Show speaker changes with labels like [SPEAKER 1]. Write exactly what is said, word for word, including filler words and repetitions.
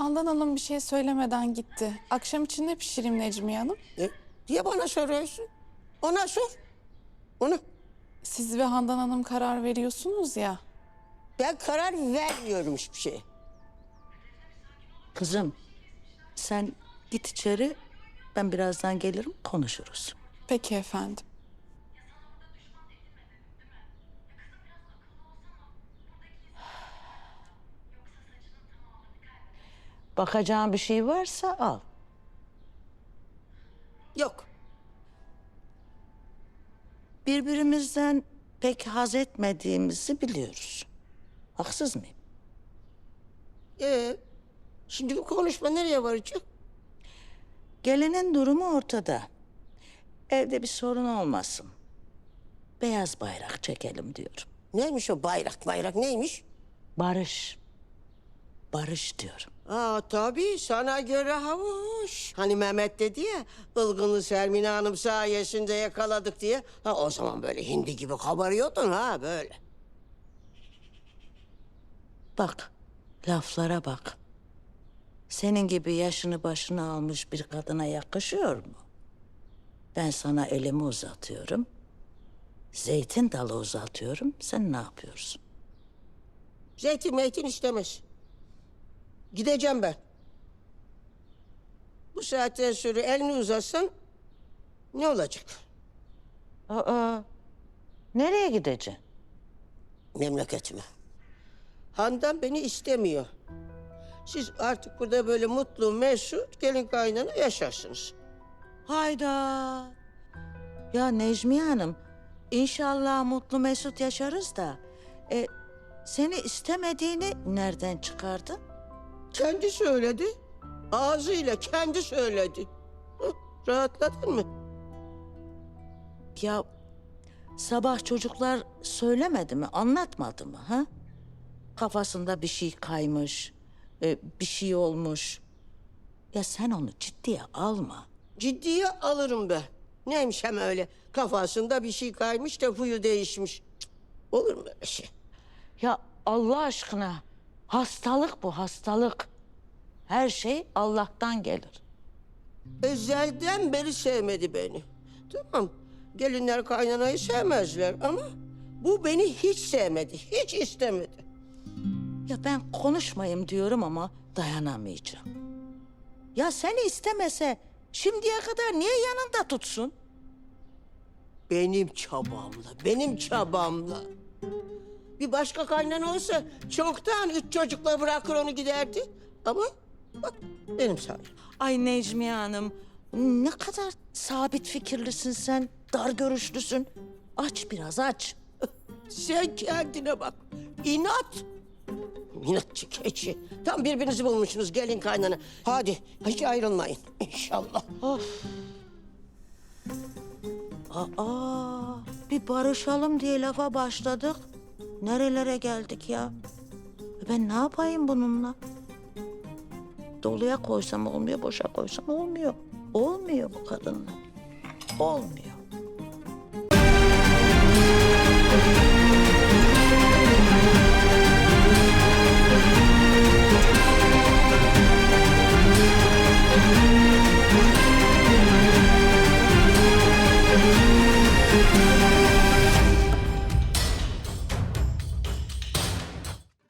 [SPEAKER 1] Handan Hanım bir şey söylemeden gitti. Akşam için ne pişireyim Necmiye Hanım?
[SPEAKER 2] E, niye bana soruyorsun? Ona sor. Ona.
[SPEAKER 1] Siz ve Handan Hanım karar veriyorsunuz ya.
[SPEAKER 2] Ben karar vermiyorum hiçbir şeye.
[SPEAKER 3] Kızım, sen git içeri, ben birazdan gelirim, konuşuruz.
[SPEAKER 1] Peki efendim.
[SPEAKER 3] Bakacağın bir şey varsa al.
[SPEAKER 2] Yok.
[SPEAKER 3] Birbirimizden pek haz etmediğimizi biliyoruz. Haksız mıyım?
[SPEAKER 2] Ee, şimdi bu konuşma nereye varacak?
[SPEAKER 3] Gelinin durumu ortada. Evde bir sorun olmasın. Beyaz bayrak çekelim diyorum.
[SPEAKER 2] Neymiş o bayrak bayrak neymiş?
[SPEAKER 3] Barış. Barış diyorum.
[SPEAKER 2] Aa tabii sana göre havuç. Hani Mehmet dedi ya, ılgınlı Sermine Hanım sayesinde yakaladık diye. Ha o zaman böyle hindi gibi kabarıyordun ha böyle.
[SPEAKER 3] Bak, laflara bak. Senin gibi yaşını başına almış bir kadına yakışıyor mu? Ben sana elimi uzatıyorum. Zeytin dalı uzatıyorum. Sen ne yapıyorsun?
[SPEAKER 2] Zeytin meytin istemez. Gideceğim ben. Bu saatten sonra elini uzatsan ne olacak?
[SPEAKER 3] Aa, nereye gideceksin?
[SPEAKER 2] Memleketime. Handan beni istemiyor. Siz artık burada böyle mutlu, mesut, gelin kaynana yaşarsınız.
[SPEAKER 3] Hayda. Ya Necmiye Hanım, inşallah mutlu mesut yaşarız da... E, seni istemediğini nereden çıkardın?
[SPEAKER 2] Kendi söyledi. Ağzıyla kendi söyledi. Hı, rahatladın mı?
[SPEAKER 3] Ya sabah çocuklar söylemedi mi, anlatmadı mı ha? Kafasında bir şey kaymış, e, bir şey olmuş. Ya sen onu ciddiye alma.
[SPEAKER 2] Ciddiye alırım ben. Neymiş hem öyle kafasında bir şey kaymış da huyu değişmiş. Cık, olur mu öyle şey?
[SPEAKER 3] Ya Allah aşkına, hastalık bu, hastalık. Her şey Allah'tan gelir.
[SPEAKER 2] Ezelden beri sevmedi beni. Tamam, gelinler kaynanayı sevmezler ama bu beni hiç sevmedi, hiç istemedi.
[SPEAKER 3] Ya ben konuşmayayım diyorum ama dayanamayacağım. Ya seni istemese şimdiye kadar niye yanında tutsun?
[SPEAKER 2] Benim çabamla, benim çabamla. Bir başka kaynana olsa çoktan üç çocukla bırakır onu giderdi. Ama bak benim sayem.
[SPEAKER 3] Ay Necmiye Hanım, ne kadar sabit fikirlisin sen, dar görüşlüsün. Aç biraz, aç.
[SPEAKER 2] Sen kendine bak. İnat. İnatçı keçi. Tam birbirinizi bulmuşsunuz gelin kaynana. Hadi hiç ayrılmayın inşallah.
[SPEAKER 3] Aa, bir barışalım diye lafa başladık. Nerelere geldik ya? E ben ne yapayım bununla? Doluya koysam olmuyor, boşa koysam olmuyor. Olmuyor bu kadınla. Olmuyor.